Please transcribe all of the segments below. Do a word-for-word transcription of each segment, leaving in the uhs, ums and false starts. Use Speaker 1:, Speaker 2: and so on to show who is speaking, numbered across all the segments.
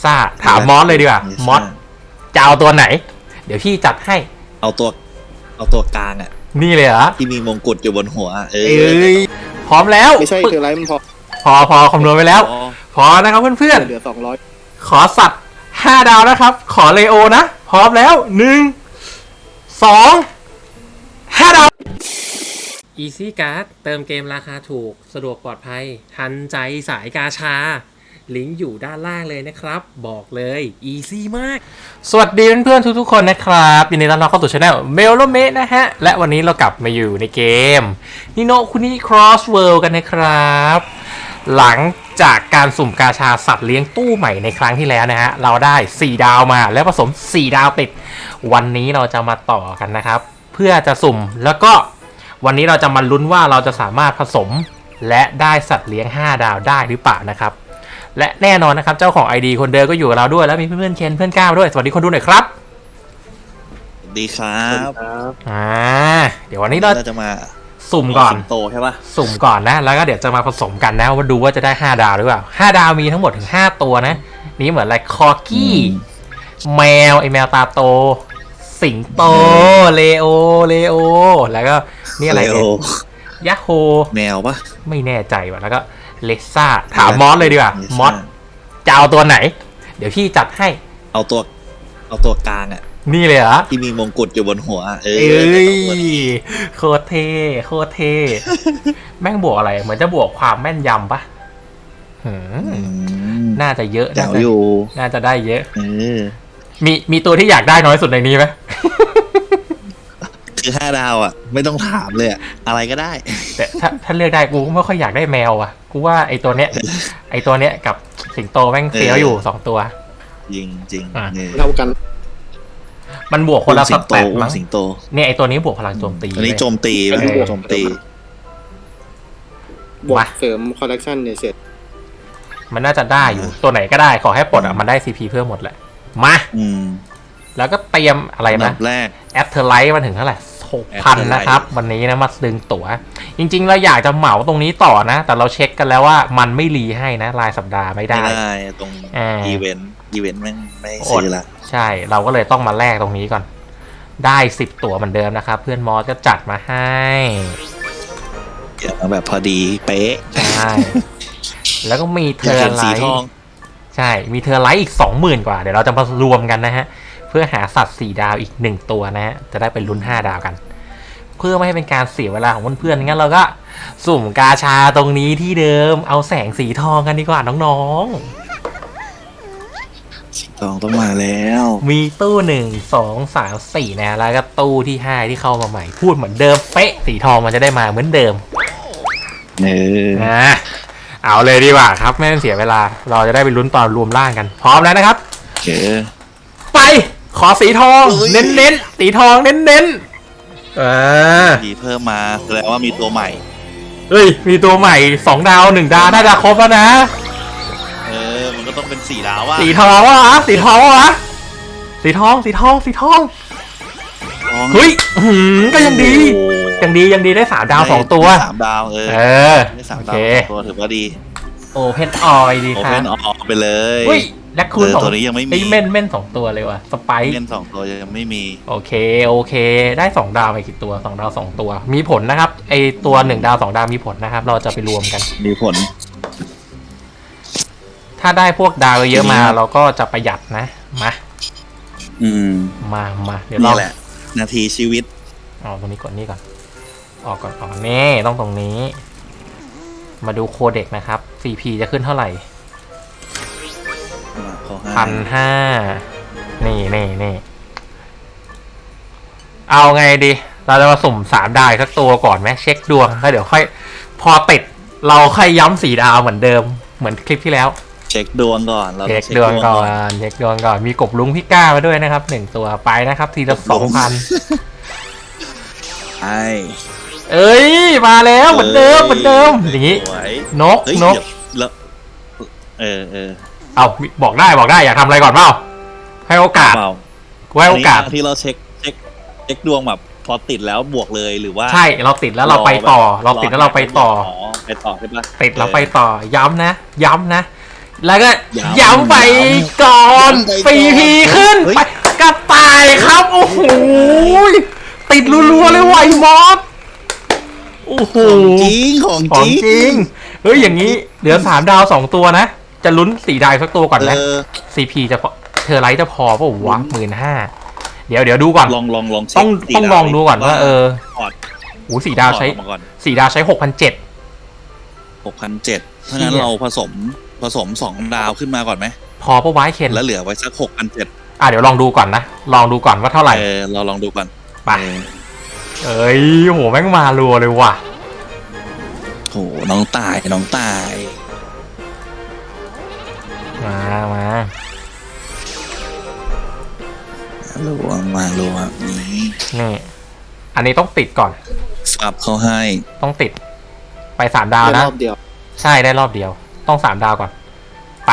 Speaker 1: ซ่าถามมอสเลยดีกว่ามอสจะเอาตัวไหนเดี๋ยวพี่จัดให้
Speaker 2: เอาตัวเอาตัวกลางอ่ะ
Speaker 1: นี่เลยเหรอ
Speaker 2: ที่มีมงกุฎอยู่บนหัวเอ
Speaker 1: อพร้อมแล้ว
Speaker 3: ไม่ใช่คือไรมันพอ
Speaker 1: พอพอคำนวณไปแล้วพอนะครับเพื่อนๆ
Speaker 3: เหลือสองร้อย
Speaker 1: ขอสัตว์ห้าดาวนะครับขอเลโอนะพร้อมแล้วหนึ่งสองห้าดาว Easy Card เติมเกมราคาถูกสะดวกปลอดภัยทันใจสายกาชาลิงก์อยู่ด้านล่างเลยนะครับบอกเลย Easy มากสวัสดีเพื่อนๆทุกๆคนนะครับยินดีต้อนรับเข้าสู่ช่องเมลโลเมนะฮะและวันนี้เรากลับมาอยู่ในเกมนิโนคุนิ Cross World กันนะครับหลังจากการสุ่มกาชาสัตว์เลี้ยงตู้ใหม่ในครั้งที่แล้วนะฮะเราได้สี่ดาวมาแล้วผสมสี่ดาวติดวันนี้เราจะมาต่อกันนะครับเพื่อจะสุ่มแล้วก็วันนี้เราจะมาลุ้นว่าเราจะสามารถผสมและได้สัตว์เลี้ยงห้าดาวได้หรือเปล่านะครับและแน่นอนนะครับเจ้าของ ไอ ดี คนเดิมก็อยู่กับเราด้วยแล้วมีเพื่อนๆเคนเพื่อนก้าวด้วยสวัสดีคนดูหน่อยครับ
Speaker 2: สวัสดีครับ
Speaker 1: อ่าเดี๋ยววันนี้เรา
Speaker 2: จะมา
Speaker 1: สุ่มก่อน
Speaker 2: โตใช่ปะ
Speaker 1: สุ่มก่อนนะแล้วก็เดี๋ยวจะมาผสมกันนะว่าดูว่าจะได้ห้าดาวหรือเปล่าห้าดาวมีทั้งหมดถึงห้าตัวนะนี่เหมือนอะไรคอกี้แมวไอแมวตาโตสิงโตเลโอเลโอแล้วก็นี่อะไรเนี่ยยะโฮ
Speaker 2: แมวปะ
Speaker 1: ไม่แน่ใจว่ะแล้วก็เลซ่าถามมอสเลยดีกว่ามอสจะเอาตัวไหนเดี๋ยวพี่จัดให้
Speaker 2: เอาตัวเอาตัวกลางอ่ะ
Speaker 1: นี่เลยเหรอ
Speaker 2: ที่มีมงกุฎอยู่บนหัวเอ
Speaker 1: อโคตรเท่โคตรเท่แม่งบวกอะไรเหมือนจะบวกความแม่นยำปะน่าจะเยอะ
Speaker 2: น่าจะอยู่
Speaker 1: น่าจะได้เยอะ
Speaker 2: มี
Speaker 1: มีตัวที่อยากได้น้อยสุดในนี้ไหม
Speaker 2: คือห้าดาวอ่ะไม่ต้องถามเลยอะไรก็ได้
Speaker 1: แต่ถ้าถ้าเลือกได้กูไม่ค่อยอยากได้แมวอ่ะกูว่าไอตัวเนี้ยไอตัวเนี้ยกับสิงโตแม่งเฟี้ยวอยู่สองตัว
Speaker 2: จริงจริง
Speaker 3: เท่ากัน
Speaker 1: มันบวกคนละสเตตมั้ง
Speaker 2: สิงโต
Speaker 1: เนี่ยไอตัวนี้บวกพลังโจมตี
Speaker 2: อันนี้โจมตีแล้วโจมตี
Speaker 3: บวกเสริมคอลเลกชันเนี่ยเสร็จ
Speaker 1: มันน่าจะได้อยู่ตัวไหนก็ได้ขอให้ปลดอ่ะมันได้ซีพีเพิ่มหมดแหละมาแล้วก็เตรียมอะไรนะ
Speaker 2: แรก
Speaker 1: แอปเทอร์ไลท์มาถึงเท่าไหร่หกพันนะครับวันนี้นะมาดึงตั๋วจริงๆเราอยากจะเหมาตรงนี้ต่อนะแต่เราเช็คกันแล้วว่ามันไม่รีให้นะรายสัปดาห์ไม่ได้
Speaker 2: ไม่ได้ตรงอีเวนต์อีเวนต์ไม่ไม่ซื้อละ
Speaker 1: ใช่เราก็เลยต้องมาแลกตรงนี้ก่อนได้สิบตั๋วเหมือนเดิมนะครับเพื่อนมอสก็จัดมาให้
Speaker 2: เกี่ยวมาแบบพอดีเป๊ะ
Speaker 1: ใช่แล้วก็มีเทอร์ไลท์ใช่มีเทอร์ไลท์อีกสองหมื่นกว่าเดี๋ยวเราจะมารวมกันนะฮะเพื่อหาสัตว์สี่ดาวอีกหนึ่งตัวนะฮะจะได้เป็นลุ้นห้าดาวกันเพื่อไม่ให้เป็นการเสียเวลาของเพื่อนๆงั้นเราก็สุ่มกาชาตรงนี้ที่เดิมเอาแสงสีทองกันดีกว่าน้อง
Speaker 2: ๆสีทองต้องมาแล้ว
Speaker 1: มีตู้หนึ่งสองสามสี่นะแล้วก็ตู้ที่ห้าที่เข้ามาใหม่พูดเหมือนเดิมเป๊ะสีทองมันจะได้มาเหมือนเดิม
Speaker 2: เออ
Speaker 1: นะเอาเลยดีกว่าครับไม่ต้องเสียเวลาเราจะได้ไปลุ้นตอนรวมร่างกันพร้อมแล้วนะครับ
Speaker 2: โอเค
Speaker 1: ไปขอสีทองเน้นเน้นสีทองเน้นเน้นอ่า
Speaker 2: สีเพิ่มมาแสดงว่ามีตัวใหม่
Speaker 1: เฮ้ยมีตัวใหม่สองดาวหนึ่งดาวน่าจะครบแล้วนะ
Speaker 2: เออมันก็ต้องเป็นสีดาวว่ะ
Speaker 1: สีทองว่ะสีทองว่ะสีทองสีทองสีทองเฮ้ยก็ยังดียังดียังดีได้สามดาวสองตัว
Speaker 2: สามดาวเออ
Speaker 1: เออ
Speaker 2: ได้สามดาวตัวถือว่าดี
Speaker 1: โอเพนออยดีครับ
Speaker 2: โอเพนออยไปเลย
Speaker 1: และคุณ
Speaker 2: ตัวนี้ยังไม่มี
Speaker 1: เม่นเม่นสองตัวเลยว่ะสไปค์
Speaker 2: เม่นสองตัวยังไม่มี
Speaker 1: โอเคโอเคได้สองดาวไปกี่ตัวสองดาวสองตัวมีผลนะครับไอตัวหนึ่งดาวสองดาวมีผลนะครับเราจะไปรวมกัน
Speaker 2: มีผล
Speaker 1: ถ้าได้พวกดาวเยอะมาเราก็จะประหยัดนะมา
Speaker 2: อืม
Speaker 1: มามาเดี๋ยวเรา
Speaker 2: แหละนาทีชีวิต
Speaker 1: อ๋อตรงนี้ก่อนนี่ก่อนออกก่อนออกนี่ต้องตรงนี้มาดูโคเด็กนะครับ ซี พี จะขึ้นเท่าไหร่พันห้านี่นี่นี่เอาไงดีเราจะมาสุ่มสามดาวสักตัวก่อนไหมเช็คดวงแล้วเดี๋ยวค่อยพอติดเราค่อยย้ำสี่ดาวเหมือนเดิมเหมือนคลิปที่แล้ว
Speaker 2: เช็คดวงก่อนเรา
Speaker 1: เช็คดวงก่อนเช็คดวงก่อนมีกบลุงพี่ก้ามาด้วยนะครับหนึ่งตัวไปนะครับทีละสองพัน
Speaker 2: ไอ้
Speaker 1: เอ้ยมาแล้วเหมือนเดิมเหมือนเดิมอย่างนี้นกนก
Speaker 2: แล้วเออเออ
Speaker 1: เอาบอกได้บอกได้อยากทำอะไรก่อนเปล่าให้โอกาสให้โอกาส
Speaker 2: ที่เราเช็คเช็คเช็คดวงแบบพอติดแล้วบวกเลยหรือว่า
Speaker 1: ใช่เราติดแล้วเราไปต่อเราติดแล้วเราไปต่อ
Speaker 2: ไปต่อใช่ปะ
Speaker 1: ติดเราไปต่อย้ำนะย้ำนะแล้วก็
Speaker 2: ย้ำ
Speaker 1: ย้ำไปก่อน
Speaker 2: ย้ำไปก่อน
Speaker 1: ซีพีขึ้น
Speaker 2: เฮ้ย
Speaker 1: ไปกระต่ายครับ โอ้โหติดรัวๆเลยไวมอสโอ้โห
Speaker 2: ของจริงของ
Speaker 1: ข
Speaker 2: จ
Speaker 1: อง
Speaker 2: ริง
Speaker 1: จริงเฮ้ยอย่างนี้เหลือสามดาวสองตัวนะ จะลุ้นสี่ดาวสักตัวก่อนไหม
Speaker 2: เออ
Speaker 1: ซีพีจะพอเธอไลท์จะพอป่าววะหมื่นห้าเดี๋ยวเดี๋ยวดูก่อน
Speaker 2: ลองลองลอง
Speaker 1: ต้องต้องลองดูก่อนว่าเออ
Speaker 2: พอร์ต
Speaker 1: โอ้สี่ดาวใช้
Speaker 2: พอร์ตออกมาก่อน
Speaker 1: สี่ดาวใช้หกพันเจ็ด
Speaker 2: หกพันเจ็ดถ้างั้น
Speaker 1: เชี่ย
Speaker 2: เราผสมผสมสองดาวขึ้นมาก่อนไหม
Speaker 1: พอปะวะเคน
Speaker 2: แล้วเหลือไว้สักหกพันเจ็ด
Speaker 1: อ่ะเดี๋ยวลองดูก่อนนะ ลองดูก่อนว่าเท่าไหร่
Speaker 2: เออเราลองดูก่อน
Speaker 1: ไป
Speaker 2: เออ
Speaker 1: เอ้ยโหแม่งมารัวเลยว่ะ
Speaker 2: โหน้องตายน้องตาย
Speaker 1: มามา
Speaker 2: ลวงมาลวงนี้
Speaker 1: นี่อันนี้ต้องติดก่อน
Speaker 2: ฟับเขาให้
Speaker 1: ต้องติด ไปสามดาว
Speaker 3: ได้
Speaker 1: นะ
Speaker 3: รอบเดียว
Speaker 1: ใช่ได้รอบเดียว ต้องสามดาวก่อน ไป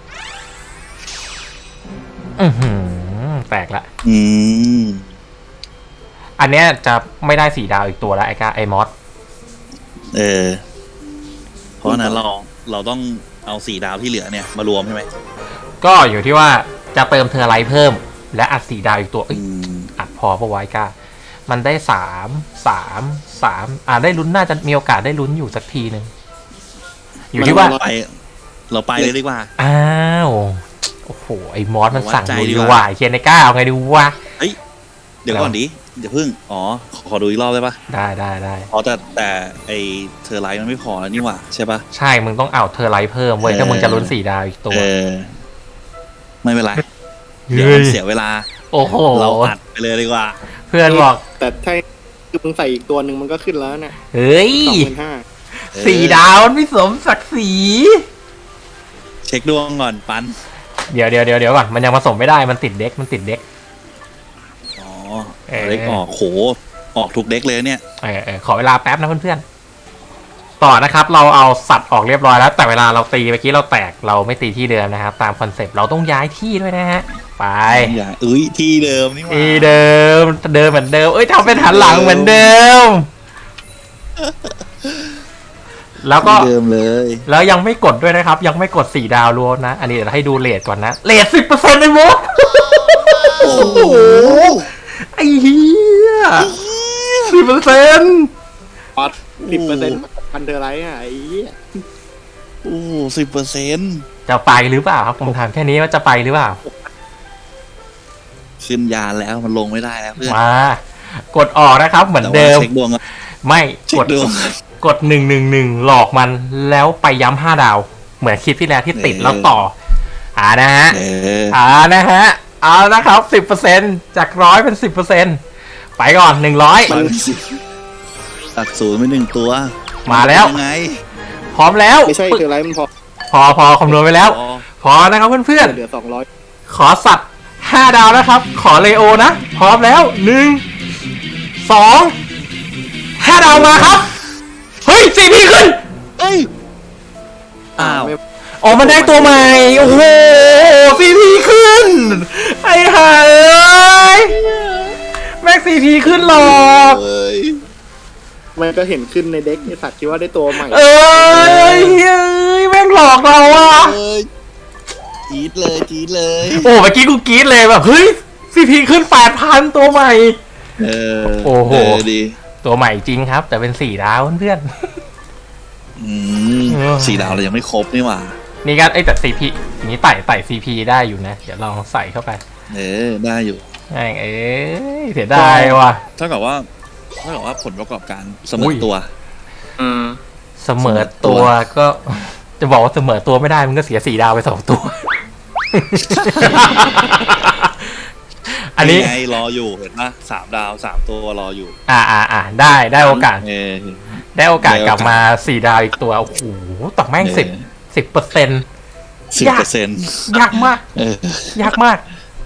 Speaker 1: อือหือแตกละ
Speaker 2: อืม
Speaker 1: อันเนี้ยจะไม่ได้สี่ดาวอีกตัวแล้วไอ้กาไอ้มอส
Speaker 2: เออ เพราะฉะนั้นเราเราต้องเอาสี่ดาวที่เหลือเนี่ยมารวมใช่ไหม
Speaker 1: ก็อยู่ที่ว่าจะเติมเทอร์ไลท์เพิ่ม และอัดสี่ดาวอีกตัวเอ้ย
Speaker 2: อืม
Speaker 1: อัดพอปะไว้กามันได้สามสามสามอ่าได้ลุ้นน่าจะมีโอกาสได้ลุ้นอยู่สักทีหนึ่งอยู่ที่ว่า
Speaker 2: ไป เราไปเลยดีกว่า
Speaker 1: อ้าวโอ้โหไอ้มอสมันสั่ง
Speaker 2: วัดใจ
Speaker 1: ดู
Speaker 2: ดี
Speaker 1: ดี
Speaker 2: กว่า
Speaker 1: ว่าไอ้เคนในก้าเอาไงดูวะ
Speaker 2: เดี๋ยวก่อนดิเดี๋ยวพึ่ง อ๋อ ขอขอดูอีกรอบได้ปะ
Speaker 1: ได้ได้ได้
Speaker 2: อ๋อแต่แต่ไอเทอร์ไลท์มันไม่พอแล้วนี่หว่าใช่ปะ
Speaker 1: ใช่มึงต้องเอาเทอร์ไลท์เพิ่มเว้ย
Speaker 2: เออ
Speaker 1: ถ้ามึงจะลุ้นสี่ดาวอีกตัว
Speaker 2: เออ ไม่เป็นไร
Speaker 1: เฮ้ย
Speaker 2: เดี๋ยวมันเสียเวลา
Speaker 1: โอ้โห
Speaker 2: เราอัดไปเลยดีกว่า
Speaker 1: เพื่อนบอก
Speaker 3: แต่ถ้าคือมึงใส่อีกตัวหนึ่งมันก็ขึ้นแล้วเนี่ย
Speaker 1: เฮ้ย
Speaker 3: สองหมื่นห้า
Speaker 2: เออ
Speaker 1: สี่ดาวมันไม่สมศักดิ์ศรี
Speaker 2: เช็คดวงก่อนปัน
Speaker 1: เดี๋ยวเดี๋ยวเดี๋ยวเดี๋ยวก่อนมันยังผสมไม่ได้มันติดเด็กมันติดเด็ก
Speaker 2: อ๋อ
Speaker 1: เออ
Speaker 2: เด็กออกโห ออกทุกเด็กเลยเนี่ย
Speaker 1: เออเออขอเวลาแป๊บนะเพื่อนๆต่อนะครับเราเอาสัตว์ออกเรียบร้อยแล้ว แต่เวลาเราตีเมื่อกี้เราแตกเราไม่ตีที่เดิมนะครับ ตามคอนเซปต์เราต้องย้ายที่ด้วยนะฮะไป
Speaker 2: อย่าเอ้ยที่เดิมนี่หว่า
Speaker 1: ที่เดิมเดิมเหมือนเดิมเอ้ยทำเป็นหันหลังเหมือนเดิม แล้วก็
Speaker 2: ที่เดิมเลย
Speaker 1: แล้วยังไม่กดด้วยนะครับ ยังไม่กดสี่ดาวรวมนะ อันนี้เดี๋ยวให้ดูเรทก่อนนะเรทสิบเปอร์เซ็นต์เลยมั้ง
Speaker 2: โอ้โห
Speaker 1: ไอ้เหี้ยสิบเปอร์เซ็นต์
Speaker 3: พอดสิบเปอร์เซ็นต์พันเทอร์ไลท์อ่ะไอ้เหี้ย
Speaker 2: โอ้สิบเปอร์เซ็นต์
Speaker 1: จะไปหรือเปล่าครับผมถามแค่นี้ว่าจะไปหรือเปล่า
Speaker 2: ขึ้นยานแล้วมันลงไม่ได้แล้วเพื่อน
Speaker 1: มา กดออกนะครับ เหมือน
Speaker 2: แต่
Speaker 1: เดิ
Speaker 2: ว่าม เช็คดวงก่อน
Speaker 1: ไม่
Speaker 2: เช็
Speaker 1: ก
Speaker 2: ค
Speaker 1: ด
Speaker 2: ดวง
Speaker 1: กดหนึ่งหนึ่งหนึ่งหลอกมันแล้วไปย้ำห้าดาว เหมือนคลิปที่แล้วที่ติด
Speaker 2: เออ
Speaker 1: แล้วต่อ อ่านะฮะ
Speaker 2: เออ
Speaker 1: อ่านะฮะ เอานะครับสิบเปอร์เซ็นจากร้อยเป็นสิบเปอร์เซ็นไปก่อนหนึ่งร้อย
Speaker 2: มันตัดศูนย์ไปหนึ่งตัว
Speaker 1: มาแล้ว
Speaker 2: ยังไง
Speaker 1: พร้อมแล้ว
Speaker 3: ไม่ใช่เทอร์ไลท์มันพอ
Speaker 1: พอพอคำนวณไปแล้ว
Speaker 2: อ๋อ
Speaker 1: พอนะครับเพื่อน
Speaker 3: เหลือสองร้อย
Speaker 1: ๆ ขอสัตว์ห้าดาวนะครับ ขอเลโอนะ พร้อมแล้วหนึ่งสองห้าดาวมาครับ เฮ้ยสี่พีขึ้น
Speaker 2: เอ้ย อ้าว
Speaker 3: ไม่
Speaker 1: อ๋อมันได้ตัวใหม่ โอ้โหสี่พีขึ้น ไอ้ห่าเอ้ยแม็กสี่พีขึ้นหรอก
Speaker 2: เอ้ย
Speaker 3: มันก็เห็นขึ้นในเด็กไอสัตว์คิดว่าได้ตัวใหม่
Speaker 1: เอ้ยเอ้ยแม่งหลอกเราอะ
Speaker 2: เอ้ยจี๊ดเลยจี๊ดเลย
Speaker 1: โอ้เมื่อกี้กูกรี๊ดเลยแบบเฮ้ยซีพีขึ้นแปดพันตัวใหม่
Speaker 2: เออ
Speaker 1: โอ้โห
Speaker 2: เอดี
Speaker 1: ตัวใหม่จริงครับ แต่เป็นสี่ดาวเพื่อน
Speaker 2: อืม
Speaker 1: เออ
Speaker 2: สี่ดาวเรายังไม่ครบนี่หว่า
Speaker 1: ๆนี่ก็ไอ้ยแต่ซีพีนี้ไต่ไต่ซีพีได้อยู่นะ เดี๋ยวลองใส่เข้าไป
Speaker 2: เออได้อยู่
Speaker 1: แม่งเอ้ยเสียดายว่ะ
Speaker 2: เท่ากับว่าเท่ากับว่าผลประกอบการเสม
Speaker 1: อุ้
Speaker 2: อย ตัว
Speaker 3: อืม
Speaker 1: เสมอตัวก็ จะบอกว่าเสมอตัวไม่ได้มันก็เสียสี่ดาวไปสองตัว อันนี้
Speaker 2: ไงรออยู่เห็นปะสามดาวสามตัวรออยู่
Speaker 1: อ่าอ่าอ่าได้ได้โอกาส
Speaker 2: เออ
Speaker 1: ได้โอกาส
Speaker 2: ได้โอกาส
Speaker 1: กลับมาสี่ดาวอีกตัว โอ้โหต่อแม่งสิบสิบเปอร์เซ็นต์
Speaker 2: สิบเปอร์เซ็นต์
Speaker 1: ยากมาก
Speaker 2: เออย
Speaker 1: ากมาก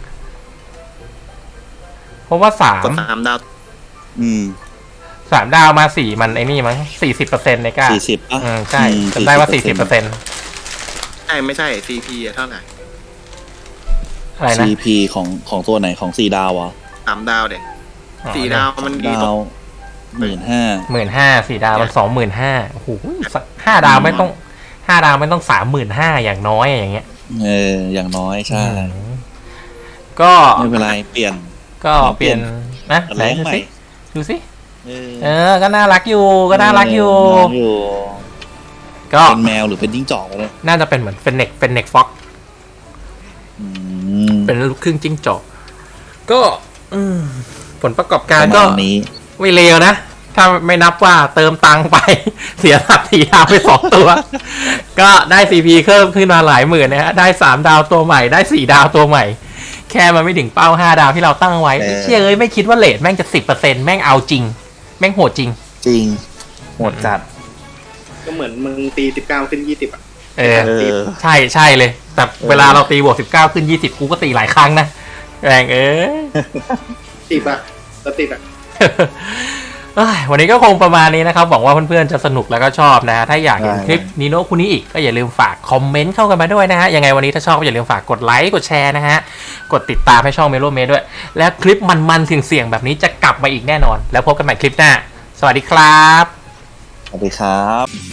Speaker 1: เพราะว่าสาม
Speaker 3: ก็สามดาว
Speaker 2: อืม
Speaker 1: สามดาวมาสี่มันไอ้นี่มั้งสี่สิบเปอร์เซ็นต์ในก้า
Speaker 2: สี่สิบอ่ะ
Speaker 1: อืมใช่จำได้ว่าสี่สิบเปอร์เซ็นต์
Speaker 3: ใช่ไม่ใช่ ซี พี อะเท่าไหร่
Speaker 1: อะไรนะ
Speaker 2: ซีพีของของตัวไหนของสี่ดาวอ่ะ
Speaker 3: สามดาวเด็กสี่ดาวมันดี
Speaker 2: ดา
Speaker 3: ตร
Speaker 2: ว
Speaker 3: ง
Speaker 2: หมื่นห้า
Speaker 1: หมื่นห้าสี่ดาวมันสองหมื่นห้าโอ้โหสักห้าดาวไม่ต้องห้าดาวไม่ต้องสามหมื่นห้าอย่างน้อยอย่างเงี้ย
Speaker 2: เอออย่างน้อยใช่
Speaker 1: ก็
Speaker 2: ไม่เป็นไรเปลี่ยน
Speaker 1: ก็เปลี่ยนนะไหน
Speaker 2: เลี้ยง
Speaker 1: ดู
Speaker 2: ใหม่
Speaker 1: สิดูสิ
Speaker 2: เออ
Speaker 1: เออก็น่ารักอยู่ก็น่ารักอยู่
Speaker 2: น่ารักอยู่
Speaker 1: ก็
Speaker 2: เป็นแมวหรือเป็นจิ้งจอกเลย
Speaker 1: น่าจะเป็นเหมือนเฟนเน็กเฟนเน็กฟ็อก
Speaker 2: อืม
Speaker 1: เป็นลูกครึ่งจิ้งจอกก็อืมผลประกอบการ
Speaker 2: ประ
Speaker 1: ก็
Speaker 2: มาณนี้
Speaker 1: ไม่เลวนะ ถ้าไม่นับว่าเติมตังค์ไป เสียหลักสี่ดาวไปสองตัว ก็ได้ ซี พี เพิ่มขึ้นมาหลายหมื่นนะฮะได้สามดาวตัวใหม่ได้สี่ดาวตัวใหม่ แค่มันไม่ถึงเป้าห้าดาวที่เราตั้งไว้
Speaker 2: เออ
Speaker 1: ไอ้เชี่ยเอ้ยไม่คิดว่าเลทแม่งจะสิบเปอร์เซ็นต์แม่งเอาจริง แม่งโหดจริง
Speaker 2: จริงโหดจัด
Speaker 3: ก็เหมือนมึงตีสิบเก้าขึ้นยี่สิบอ่ะ
Speaker 1: เออ
Speaker 2: เออ
Speaker 1: ใช่ใช่เลย แต่เวลาเราตีบวกสิบเก้าขึ้นยี่สิบกูก็ตีหลายครั้งนะแรงเอ้ย
Speaker 3: ติดอ่ะก็ติดอ่ะ
Speaker 1: เอ้ยวันนี้ก็คงประมาณนี้นะครับหวังว่าเพื่อนๆจะสนุกแล้วก็ชอบนะ ถ้าอยากเห็น
Speaker 2: ได้
Speaker 1: คลิปนีโน่คุนี้อีกก็อย่าลืมฝากคอมเมนต์เข้ากันมาด้วยนะฮะยังไงวันนี้ถ้าชอบก็อย่าลืมฝากกดไลค์กดแชร์นะฮะกดติดตามให้ช่องเมโลเมด้วย และคลิปมันๆเสียงๆแบบนี้จะกลับมาอีกแน่นอน แล้วพบกันใหม่คลิปหน้า สวัสดีครับ
Speaker 2: สวัสดีครับ